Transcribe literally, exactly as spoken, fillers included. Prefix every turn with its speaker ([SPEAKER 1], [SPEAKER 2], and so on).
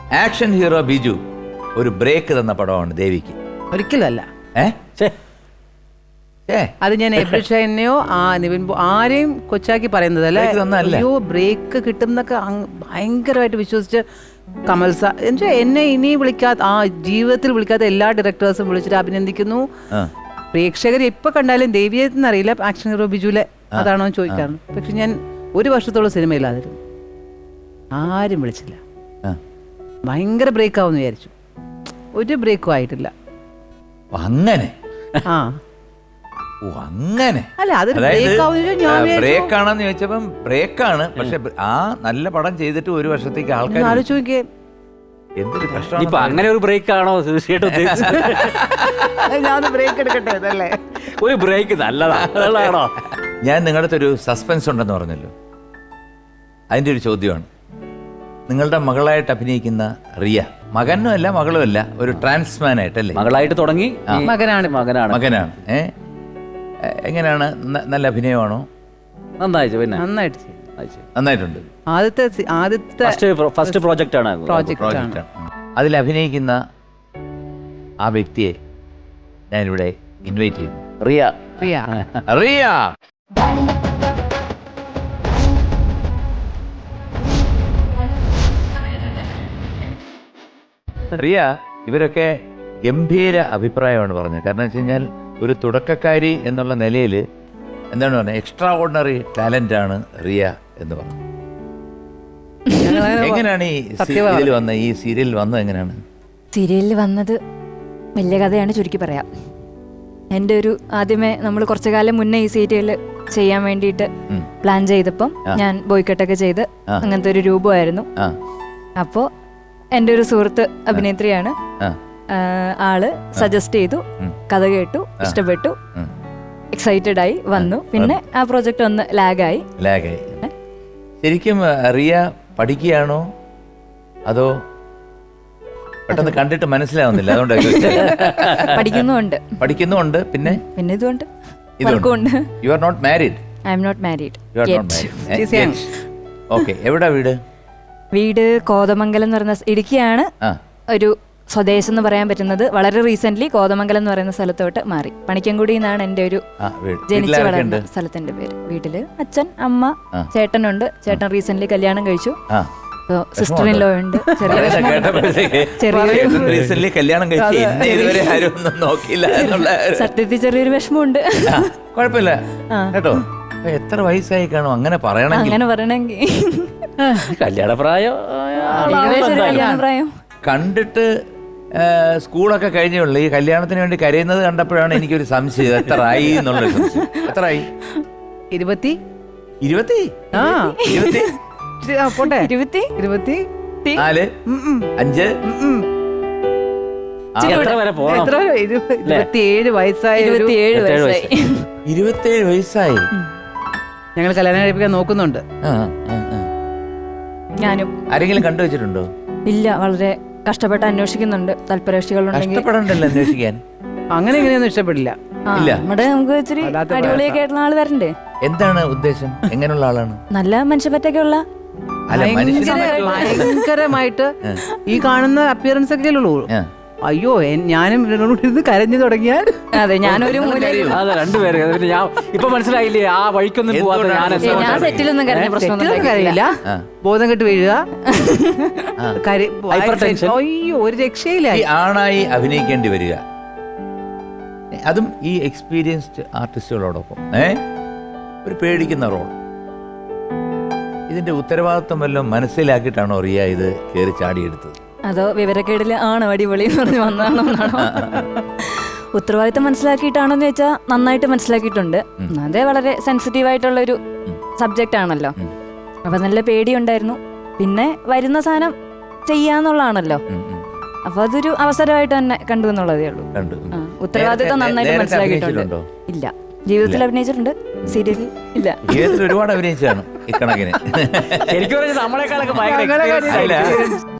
[SPEAKER 1] Action hero Biju ഒരു break തന്ന പടമാണ് ദേവിക്ക്.
[SPEAKER 2] ഒരിക്കലല്ല.
[SPEAKER 1] ഏ
[SPEAKER 2] അത് ഞാൻ എബ്രിഷനെയോ ആ നിവിൻ ആരെയും കൊച്ചാക്കി പറയുന്നതല്ല. അയ്യോ ബ്രേക്ക് കിട്ടും എന്നൊക്കെ ഭയങ്കരമായിട്ട് വിശ്വസിച്ച് കമൽ സാർ എന്നുവെച്ചാൽ എന്നെ ഇനി വിളിക്കാത്ത ആ ജീവിതത്തിൽ വിളിക്കാത്ത എല്ലാ ഡയറക്ടേഴ്സും വിളിച്ചിട്ട് അഭിനന്ദിക്കുന്നു. പ്രേക്ഷകർ എപ്പോൾ കണ്ടാലും ദേവിയെന്ന് അറിയില്ല ആക്ഷൻ ഹീറോ ബിജുലെ അതാണോ ചോദിക്കാറുണ്ട്. പക്ഷെ ഞാൻ ഒരു വർഷത്തോളം സിനിമയില്ലാതിരുന്നു, ആരും വിളിച്ചില്ല. ഭയങ്കര ബ്രേക്ക് ആവുമെന്ന് വിചാരിച്ചു, ഒരു ബ്രേക്കും ആയിട്ടില്ല.
[SPEAKER 1] അങ്ങനെ
[SPEAKER 2] ആ
[SPEAKER 1] അങ്ങനെ
[SPEAKER 2] അല്ല അത്
[SPEAKER 1] ബ്രേക്ക് ആണെന്ന് ചോദിച്ചപ്പം ബ്രേക്കാണ്. പക്ഷെ ആ നല്ല പടം ചെയ്തിട്ട് ഒരു വർഷത്തേക്ക് ആൾക്കാർ
[SPEAKER 2] ആലോചിച്ച് നോക്കിയേ
[SPEAKER 1] എന്തൊരു കഷ്ടം.
[SPEAKER 3] ഇപ്പൊ അങ്ങനെ ഒരു ബ്രേക്ക് ആണോ തീർച്ചയായിട്ടും
[SPEAKER 2] ഞാൻ ബ്രേക്ക് എടുക്കട്ടെ അതല്ലേ
[SPEAKER 3] ഒരു ബ്രേക്ക് നല്ലതാണോ?
[SPEAKER 1] ഞാൻ നിങ്ങളുടെ ഒരു സസ്പെൻസ് ഉണ്ടെന്ന് പറഞ്ഞല്ലോ, അതിൻ്റെ ഒരു ചോദ്യമാണ്. നിങ്ങളുടെ മകളായിട്ട് അഭിനയിക്കുന്ന റിയ, മകനും അല്ല മകളും അല്ല, ഒരു ട്രാൻസ്മാൻ ആയിട്ടല്ലേ?
[SPEAKER 3] മകളായിട്ട് തുടങ്ങി
[SPEAKER 2] മകനാണ്
[SPEAKER 3] മകനാണ്
[SPEAKER 1] മകനാണ് ഏ എങ്ങനെയാണ്? നല്ല അഭിനയമാണോ?
[SPEAKER 3] നന്നായിട്ട് പിന്നെ
[SPEAKER 2] നന്നായിട്ട്
[SPEAKER 1] നന്നായിട്ടുണ്ട്.
[SPEAKER 2] ആദ്യത്തെ ആദ്യത്തെ
[SPEAKER 3] ഫസ്റ്റ് പ്രോജക്റ്റ് ആണ്
[SPEAKER 2] പ്രോജക്റ്റ്.
[SPEAKER 1] അതിൽ അഭിനയിക്കുന്ന ആ വ്യക്തിയെ ഞാനിവിടെ ഇൻവൈറ്റ് ചെയ്യുന്നു.
[SPEAKER 3] റിയ
[SPEAKER 2] റിയ
[SPEAKER 1] റിയ റിയ ഇവരൊക്കെ ഗംഭീര അഭിപ്രായമാണ് പറഞ്ഞത്. കാരണം വെച്ച് കഴിഞ്ഞാൽ ഒരു തുടക്കക്കാരി എന്നുള്ള നിലയിൽ എന്താണ് പറഞ്ഞത്, എക്സ്ട്രാ ഓർഡിനറി ടാലന്റ് ആണ് റിയ എന്ന് പറഞ്ഞു. എങ്ങനെയാണ് ഈ ഇതിൽ വന്ന ഈ സീരിയലിൽ വന്നത്? എങ്ങനെയാണ്
[SPEAKER 4] സീരിയലിൽ വന്നത്? വലിയ കഥയാണ്, ചുരുക്കി പറയാം. എൻ്റെ ഒരു ആദ്യമേ നമ്മൾ കുറച്ചു കാലം മുന്നേ ഈ സീരിയൽ ചെയ്യാൻ വേണ്ടിയിട്ട് പ്ലാൻ ചെയ്തപ്പം ഞാൻ ബോയ്ക്കട്ടൊക്കെ ചെയ്ത് അങ്ങനത്തെ ഒരു രൂപമായിരുന്നു. അപ്പോൾ എൻ്റെ ഒരു സുഹൃത്ത് അഭിനേത്രിയാണ്, ആള് സജസ്റ്റ് ചെയ്തു, കഥ കേട്ടു, ഇഷ്ടപ്പെട്ടു, എക്സൈറ്റഡ് ആയി വന്നു. പിന്നെ ആ പ്രോജക്റ്റ് ഒന്ന് ലാഗായി
[SPEAKER 1] ലാഗായി ശരിക്കും റിയ പഠിക്കുകയാണോ അതോ പെട്ടെന്ന് കണ്ടിട്ട് മനസ്സിലാവുന്നില്ല അതുകൊണ്ടൊക്കെ?
[SPEAKER 4] പഠിക്കുന്നുണ്ട്
[SPEAKER 1] പഠിക്കുന്നുണ്ട് പിന്നെ
[SPEAKER 4] പിന്നെ ഇതുകൊണ്ട് വർക്കുണ്ട്.
[SPEAKER 1] You are not married?
[SPEAKER 4] I am not married.
[SPEAKER 1] Okay. എവിടാ വീട്?
[SPEAKER 4] വീട് കോതമംഗലം എന്ന് പറയുന്ന ഇടുക്കിയാണ്. ഒരു സ്വദേശം എന്ന് പറയാൻ പറ്റുന്നത് വളരെ റീസെന്റ് കോതമംഗലം എന്ന് പറയുന്ന സ്ഥലത്തോട്ട് മാറി. പണിക്കൻകുടി എന്നാണ് എൻ്റെ ഒരു ജനിച്ചു വളർന്ന സ്ഥലത്തിന്റെ പേര്. വീട്ടില് അച്ഛൻ, അമ്മ, ചേട്ടനുണ്ട്. ചേട്ടൻ റീസെന്റ് കല്യാണം കഴിച്ചു. സിസ്റ്റർ ഇൻ ലോ ഉണ്ട്. സത്യത്തിൽ ചെറിയൊരു വിഷമമുണ്ട്.
[SPEAKER 1] കുഴപ്പമില്ല കേട്ടോ. എത്ര വയസ്സായി കാണും അങ്ങനെ പറയണം?
[SPEAKER 4] അങ്ങനെ പറയണമെങ്കിൽ
[SPEAKER 3] കല്യാണപ്രായം
[SPEAKER 4] കല്യാണപ്രായം
[SPEAKER 1] കണ്ടിട്ട് സ്കൂളൊക്കെ കഴിഞ്ഞുള്ളൂ. ഈ കല്യാണത്തിന് വേണ്ടി കരയുന്നത് കണ്ടപ്പോഴാണ് എനിക്കൊരു സംശയം, എത്ര ആയി എന്നുള്ളൊരു സംശയം. എത്ര ആയി? ഇരുപത്തി ഇരുപത്തി ഇരുപത്തി
[SPEAKER 2] പോട്ടെ
[SPEAKER 4] ഇരുപത്തി
[SPEAKER 2] ഇരുപത്തി
[SPEAKER 1] നാല് അഞ്ച്
[SPEAKER 2] ഇരുപത്തിയേഴ് വയസ്സായി.
[SPEAKER 4] ഇരുപത്തിയേഴ് വയസ്സായി
[SPEAKER 1] ഇരുപത്തിയേഴ് വയസ്സായി
[SPEAKER 2] ഞങ്ങൾ കല്യാണം കഴിപ്പിക്കാൻ നോക്കുന്നുണ്ട്.
[SPEAKER 4] ഞാനും.
[SPEAKER 1] ആരെങ്കിലും കണ്ടുവച്ചിട്ടുണ്ടോ?
[SPEAKER 4] ഇല്ല, വളരെ കഷ്ടപ്പെട്ട് അന്വേഷിക്കുന്നുണ്ട്. താല്പര്യകക്ഷികളുണ്ടെങ്കിൽ
[SPEAKER 1] അന്വേഷിക്കാൻ
[SPEAKER 2] അങ്ങനെ ഇങ്ങനെയൊന്നും ഇഷ്ടപ്പെടില്ല.
[SPEAKER 4] നമ്മുടെ നമുക്ക് ഇച്ചിരി അടിപൊളിയൊക്കെ ആയിട്ടുള്ള ആള് വരണ്ടേ?
[SPEAKER 1] എന്താണ് ഉദ്ദേശം? എങ്ങനെയുള്ള ആളാണ്?
[SPEAKER 4] നല്ല മനുഷ്യപ്പറ്റൊക്കെ ഉള്ള,
[SPEAKER 2] ഭയങ്കരമായിട്ട് ഈ കാണുന്ന അപ്പിയറൻസ് ഒക്കെ ഉള്ളൂ. അയ്യോ, ഞാനും ഇരുന്ന് കരഞ്ഞു തുടങ്ങിയാൽ
[SPEAKER 4] അതെ ഞാനൊരു
[SPEAKER 3] രണ്ടുപേര് ഇപ്പൊ മനസ്സിലായില്ലേ ആ വഴിക്കൊന്നും
[SPEAKER 4] ഞാൻ സെറ്റിലൊന്നും കരഞ്ഞ പ്രശ്നമൊന്നും
[SPEAKER 2] കരയില്ല. ബോധം കെട്ട് വീഴുക, അയ്യോ ഒരു രക്ഷയില്ല.
[SPEAKER 1] ആണായി അഭിനയിക്കേണ്ടി വരിക, അതും ഈ എക്സ്പീരിയൻസ്ഡ് ആർട്ടിസ്റ്റുകളോടൊപ്പം ഏ ഒരു പേടിക്കുന്ന റോൾ. ഇതിന്റെ ഉത്തരവാദിത്വം വല്ലതും മനസ്സിലാക്കിയിട്ടാണോ റിയ ഇത് കയറി ചാടിയെടുത്തത്?
[SPEAKER 4] അതോ വിവരക്കേടില് ആണോ അടിപൊളി എന്ന് പറഞ്ഞ് വന്നാണോ? ഉത്തരവാദിത്തം മനസ്സിലാക്കിയിട്ടാണോന്ന് ചോദിച്ചാൽ നന്നായിട്ട് മനസ്സിലാക്കിയിട്ടുണ്ട്. അതേ വളരെ സെൻസിറ്റീവ് ആയിട്ടുള്ള ഒരു സബ്ജക്റ്റ് ആണല്ലോ. അപ്പൊ നല്ല പേടിയുണ്ടായിരുന്നു. പിന്നെ വരുന്ന സാധനം ചെയ്യാന്നുള്ളതാണല്ലോ. അപ്പൊ അതൊരു അവസരമായിട്ട് തന്നെ കണ്ടു എന്നുള്ളതേ ഉള്ളൂ. ഉത്തരവാദിത്തം നന്നായിട്ട് മനസ്സിലാക്കിയിട്ടുണ്ട്. ഇല്ല, ജീവിതത്തിൽ അഭിനയിച്ചിട്ടുണ്ട്, സീരിയലിൽ ഇല്ല.
[SPEAKER 1] ജീവിതത്തിൽ ഒരുപാട് അഭിനയിച്ചാണ് ഇക്കണക്കിന്.
[SPEAKER 3] ശരിക്കും നമ്മളെക്കാളൊക്കെ